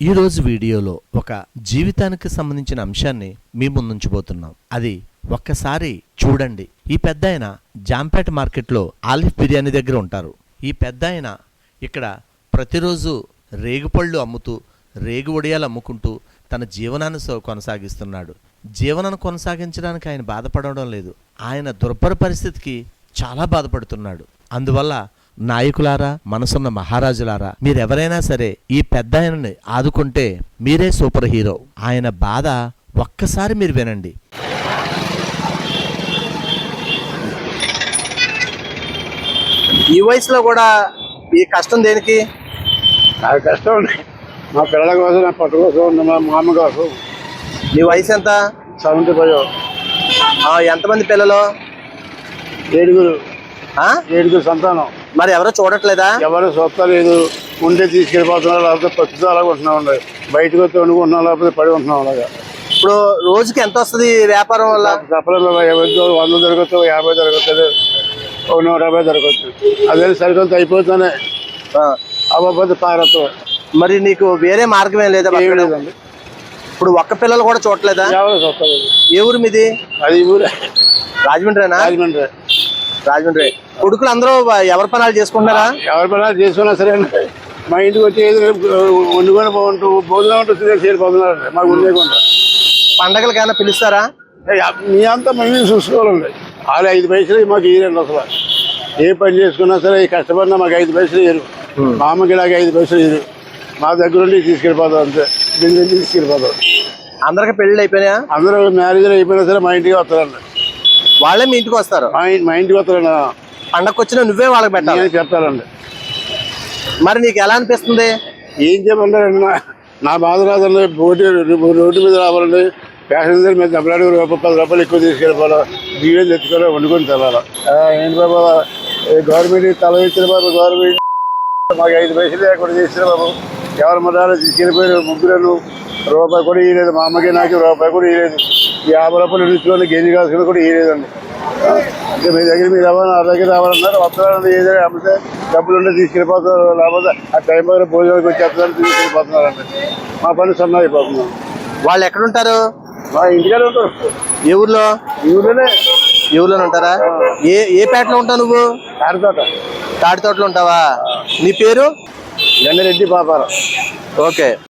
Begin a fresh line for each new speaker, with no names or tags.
ఈ రోజు వీడియోలో ఒక జీవితానికి సంబంధించిన అంశాన్ని మీ ముందుంచబోతున్నాం. అది ఒక్కసారి చూడండి. ఈ పెద్దాయన జాంపేట మార్కెట్లో ఆలిఫ్ బిర్యానీ దగ్గర ఉంటారు. ఈ పెద్దాయన ఇక్కడ ప్రతిరోజు రేగుపళ్ళు అమ్ముతూ రేగు వడియాలు అమ్ముకుంటూ తన జీవనాన్ని కొనసాగిస్తున్నాడు. జీవనాన్ని కొనసాగించడానికి ఆయన బాధపడడం లేదు. ఆయన దుర్భర పరిస్థితికి చాలా బాధపడుతున్నాడు. అందువల్ల నాయకులారా, మనసున్న మహారాజులారా, మీరెవరైనా సరే ఈ పెద్దాయనని ఆదుకుంటే మీరే సూపర్ హీరో. ఆయన బాధ ఒక్కసారి మీరు వినండి.
ఈ వయసులో కూడా ఈ కష్టం దేనికి?
నాకు కష్టం ఉంది. మా పిల్లల కోసం, నా పట్టు కోసం, మా మామ కోసం.
నీ వయసు ఎంత?
75.
ఎంతమంది పిల్లలు?
7 సంతానం.
మరి ఎవరో చూడట్లేదా?
ఎవరు చూస్తలేదు. ఉంటే తీసుకెళ్ళిపోతున్నారు, లేకపోతే పచ్చుతో అలాగే ఉంటున్నాం. బయటకు వస్తే వండుకుంటున్నాం, లేకపోతే పడి ఉంటున్నాం. అలాగా
ఇప్పుడు రోజుకి ఎంత వస్తుంది వ్యాపారం వల్ల?
చెప్పలేదు. 100 దొరకచ్చు, 50 దొరకచ్చు, 150 దొరకచ్చు. అదే సరికొంత అయిపోతానే అవ్వకపోతే పారతో.
మరి నీకు వేరే మార్గం ఏం లేదా?
లేదండి.
ఇప్పుడు ఒక్క పిల్లలు కూడా చూడట్లేదా?
ఎవరు చూస్తలేదు.
ఏ ఊరు మీది?
అది ఊరే,
రాజమండ్రేనా? రాజమండ్రి. కొడుకులు అందరూ ఎవరి పనాలు చేసుకుంటారా?
ఎవరి పనాలు చేసుకున్నా సరే మా ఇంటికి వచ్చి వండుకొని భోజనం ఉంటుంది చేరిపోతున్నారు. మాకు ఉండేకుండా
పండగలకి ఏమైనా పిలుస్తారా?
మీ అంతా మేము చూసుకోవాలండి. వాళ్ళు 5 పైసలు మాకు ఇయ్యరండి. అసలు ఏ పని చేసుకున్నా సరే కష్టపడినా మాకు 5 పైసలు ఇయ్యరు. మా అమ్మకి ఇలాగ 5 పైసలు ఇయ్యరు. మా దగ్గర ఉండి తీసుకెళ్ళిపోతాం. అంతే, దీని నుంచి తీసుకెళ్ళిపోతాం.
అందరికి పెళ్ళి అయిపోయినా?
అందరూ మ్యారేజ్లు అయిపోయినా సరే మా ఇంటికి వస్తారండి.
వాళ్ళే మీ ఇంటికి వస్తారు?
మా ఇంటికి వస్తారండి.
పండగకు వచ్చినా నువ్వే వాళ్ళకి పెట్టాలి
చెప్తారండి.
మరి నీకు ఎలా అనిపిస్తుంది?
ఏం చెప్పంటారండి, నా బాధ రాదండి. రోడ్డు మీద రావాలండి. ప్యాసింజర్ మీద దెబ్బలాడి ₹10 ఎక్కువ తీసుకెళ్ళిపోవాలి. బియ్యం తెచ్చుకోవాలి, వండుకొని తినాలి. ఏంటి బాబు, గవర్నమెంట్ తల ఇచ్చిన బాబు. గవర్నమెంట్ మాకు 5 పైసలు లేకుండా చేసిన బాబు. ఎవరి మధ్యాలు తీసుకెళ్ళిపోయారు. ముగ్గురు రూపాయి కూడా ఇవ్వలేదు. మా అమ్మకి నాకు రూపాయి కూడా ఇవ్వలేదు. 50 రూపాయలు ఇచ్చుకొని గేజీ కాసుకుని కూడా ఇవ్వలేదండి. అంటే మీ దగ్గర మీరు రావాలి, నా దగ్గర రావాలన్నారు. వస్తున్నారండి. ఏదైనా అమ్మితే డబ్బులు ఉంటే తీసుకెళ్ళిపోతున్నారు. లేకపోతే ఆ టైం దగ్గర భోజనానికి వచ్చేస్తున్నారు, తీసుకెళ్ళిపోతున్నారండి. మా పని సన్న అయిపోతున్నాం.
వాళ్ళు ఎక్కడుంటారు?
మా ఇంటికానే ఉంటారు.
ఏ ఊర్లో?
ఈ ఊర్లోనే.
ఈ ఊర్లోనే ఉంటారా? ఏ పేటలో ఉంటావు నువ్వు?
తాడి
తోటలో ఉంటావా? నీ పేరు?
గండిరెడ్డి పాపారావు.
ఓకే.